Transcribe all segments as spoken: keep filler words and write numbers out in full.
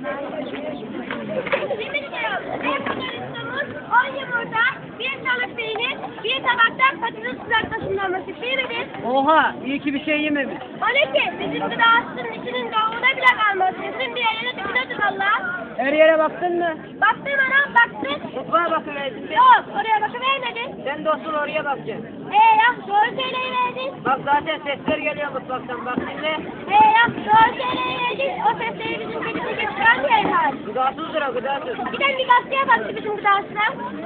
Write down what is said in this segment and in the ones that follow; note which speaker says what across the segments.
Speaker 1: on yumurta, bir salık peynir, bir tabaktan patates kızartmasından pişirilir.
Speaker 2: Oha, iyi ki bir şey yememiş.
Speaker 1: O ne ki? Bizim gıdasının içinin doğumuna bile kalmaz. Bütün bir yerine tıkınadır valla.
Speaker 2: Her yere baktın mı?
Speaker 1: Baktım anam, baktım.
Speaker 2: Mutfağa bakıverdin mi?
Speaker 1: Yok, oraya bakıvermedin.
Speaker 2: Sen dostum oraya bakacaksın.
Speaker 1: Ee ya, doğru söyleyiverdin.
Speaker 2: Bak zaten sesler geliyor mutfaktan, bak dinle.
Speaker 1: Ee ya, doğru söyleyiverdin. O sesleri bizim kedisi getiren bir herhal.
Speaker 2: Gıdasızdır o, gıdasız.
Speaker 1: Giden bir gazeteye baktı bizim gıdasına.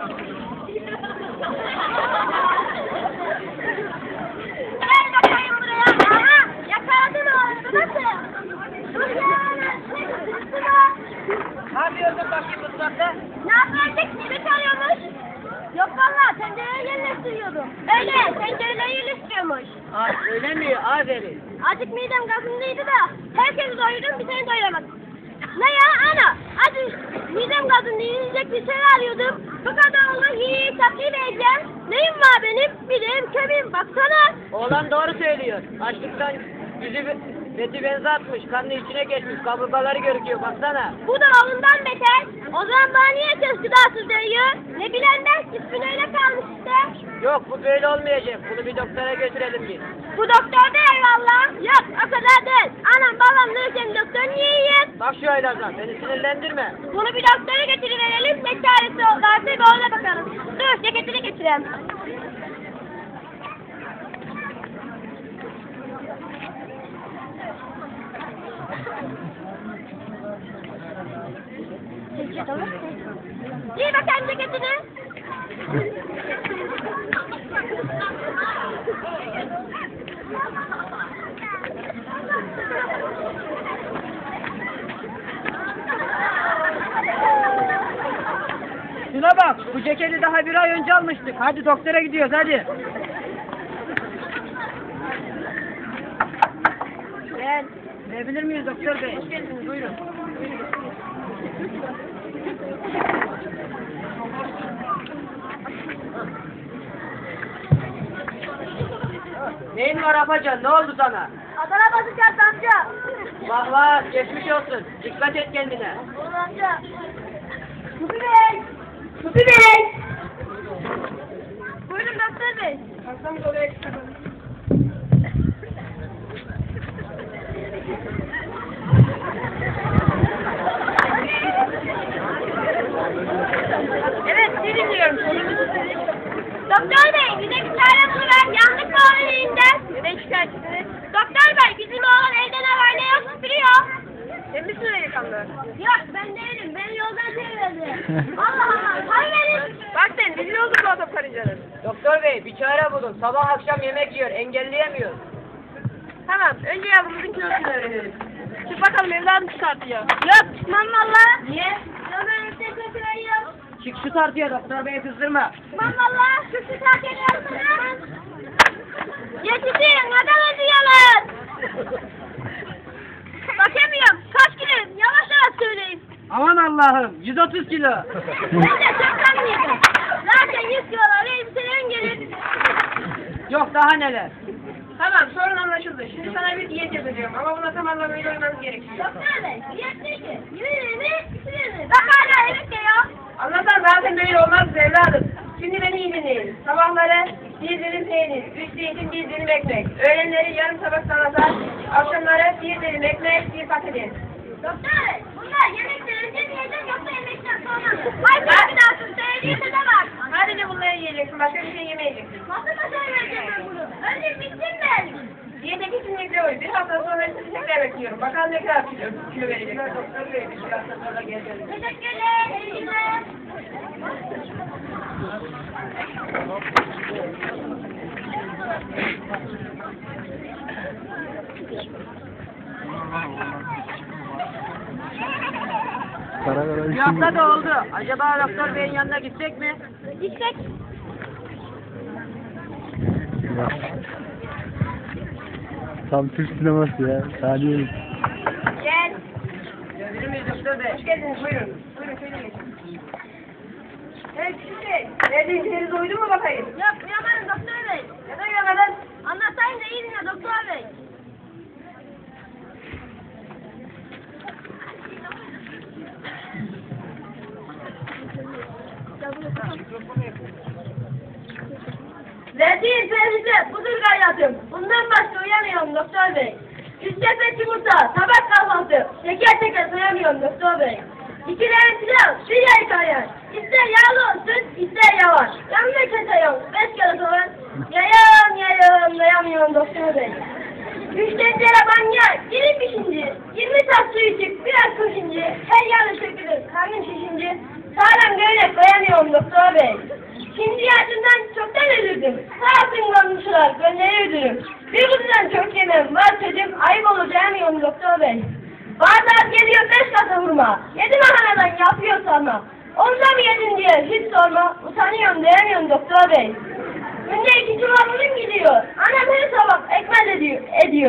Speaker 1: Gel bakayım buraya. Aha, yakaladım oğlum. Nasıl? Dur ya, ne kızısı var?
Speaker 2: Ne yapıyordun bakayım mutfakta?
Speaker 1: Ne yapıyorduk? Kimi çalıyormuş? Yok valla, tencereyi yerleştiriyordum. Öyle, tencereleri yerleştiriyormuş.
Speaker 2: Aa, öyle mi? Aferin.
Speaker 1: Azıcık midem gazındaydı da, herkesi doyurdum, bir seni doyuramadım. Ne ya ana? Hadi midem gazında yiyecek bir şey arıyordum. Bu kadar olur hiç vereceğim. Neyim var benim? Bileğim, kemiğim, baksana.
Speaker 2: Oğlan doğru söylüyor. Açlıktan yüzü beti benzi atmış, karnı içine geçmiş, kaburgaları görüküyor, baksana.
Speaker 1: Bu da ondan beter. O zaman bana niye söz gıdasız diyor? Ne bilenden ismin öyle kalmış işte.
Speaker 2: Yok, bu böyle olmayacak. Bunu bir doktora götürelim biz.
Speaker 1: Bu doktor da eyvallah. Yok o kadar değil. Anam babam neyse doktor niye yiyeyim?
Speaker 2: Bak şu Aylazan, beni sinirlendirme.
Speaker 1: Bunu bir doktora getiriverelim. Ne çaresi varsa bir ona bakalım. Dur ceketini getireyim. İyi bakayım ceketini.
Speaker 2: Şuna bak, bu ceketi daha bir ay önce almıştık. Hadi doktora gidiyoruz, hadi.
Speaker 1: Gel.
Speaker 2: Verebilir miyiz doktor bey? Hoş geldiniz, buyurun. Neyin var Afacan, ne oldu sana?
Speaker 1: Adana basacağız amca.
Speaker 2: Vah vah, geçmiş olsun. Dikkat et kendine.
Speaker 1: Oğlum amca. Kutu Bey. Kutu Bey. Buyurun doktor bey.
Speaker 2: Kalksanız oraya
Speaker 1: Evet, sizi dinliyorum. Doktor bey, bize bir çare buluver. Yandık mı onun elinden? Neden şikayetçisiniz? Doktor bey, bizim oğlan evde ne var ne yok süpürüyor. Sen misin öyle kanlı? Yok, ben değilim. Beni yoldan çevirdi. Allah Allah, para verin.
Speaker 2: Bak sen, rezil olduk bu adam karıncanın. Doktor bey, bir çare bulun. Sabah akşam yemek yiyor, engelleyemiyor.
Speaker 1: Tamam, önce yavrumuzun kilosunu öğrenelim. Çık bakalım evladım çıkartıyor. Yok, çıkmam valla. Niye? Ya ben size götürüyorum.
Speaker 2: Çık şu tartıya, doktor bey kızdırma.
Speaker 1: Çıkmam valla. Şu şu tartıya yapsana. Yetişin, adam ödüyorlar. Bakamıyorum, kaç kilo? Yavaş yavaş söyleyin.
Speaker 2: Aman Allah'ım, yüz otuz kilo.
Speaker 1: Ben de çok anlıyordum. Zaten yüz kilolar elbiselerin gelir.
Speaker 2: Yok daha neler.
Speaker 3: Tamam, sorun anlaşıldı. Şimdi sana bir diyet yapacağım ama buna tam anlamıyla uymanız gerekiyor.
Speaker 1: Doktor bey, diyet neydi? Yürüyün mi? Bitirir mi? Bak hala evet diyor.
Speaker 3: Anlatan zaten böyle olmaz evladım. Şimdi beni iyi dinleyin. Sabahları bir dilim peynir, üç zeytin, bir dilim ekmek. Öğlenleri yarım tabak salata, akşamları bir dilim ekmek, bir patates.
Speaker 1: Doktor bey, bunlar yemekten önce mi yiyecek yoksa yemekten sonra mı? Hayır, bir daha sus, söylediğinde de var.
Speaker 3: Sadece bunları yiyeceksin, başka bir şey yemeyeceksin.
Speaker 1: Nasıl başaracağım ben bunu? Önce bitsin ben.
Speaker 3: Diyete kesinlikle uy. Bir hafta sonra sizi tekrar bekliyorum. Bakalım ne kadar kilo, kilo verecek. Doktor bey, bir hafta sonra geleceğiz.
Speaker 1: Teşekkürler, iyi günler.
Speaker 2: Bir hafta da oldu. Acaba doktor beyin yanına gitsek mi?
Speaker 1: Gitsek.
Speaker 4: Tam Türk sineması ya. Saniye.
Speaker 3: Gel.
Speaker 2: Görebilir miyiz doktor bey?
Speaker 3: Hoş geldiniz, buyurun. Buyurun, şöyle geçin. Evet, şimdi. Neredeyseniz uydun mu bakayım?
Speaker 1: Yok, uyamadım doktor bey.
Speaker 3: Neden uyamadın?
Speaker 1: Anlatayım da iyi dinle doktor bey.
Speaker 3: Verdiğin tehlike budur hayatım. Bundan başka uyamıyorum doktor bey. Üç sepet yumurta, tabak kahvaltı. Teker teker sayamıyorum doktor bey. İki tane pilav, bir yay kayar. İster yağlı olsun, ister yavaş. Yanına kese yok, beş kere soğan. Yayam yayam, dayamıyorum doktor bey. Üç tencere banya, dilim pişince. Yirmi tas su içip biraz koşunca. Her yanı sökülür, karnım şişince. Sağlam göğnek koyamıyorum doktor bey. Şimdi yaşından çoktan ölürdüm. Sağ olsun komşular, gönleri ödürüm. Bir kutudan çok yemem, var çocuğum, ayıp olur diyemiyorum doktor bey. Bardak geliyor beş kasa vurma. Yedi mahanadan yapıyor sorma. Onda mı yedin diye hiç sorma. Utanıyorum diyemiyorum doktor bey. Günde iki çuvalım gidiyor. Annem her sabah ekmek ediyor. ediyor.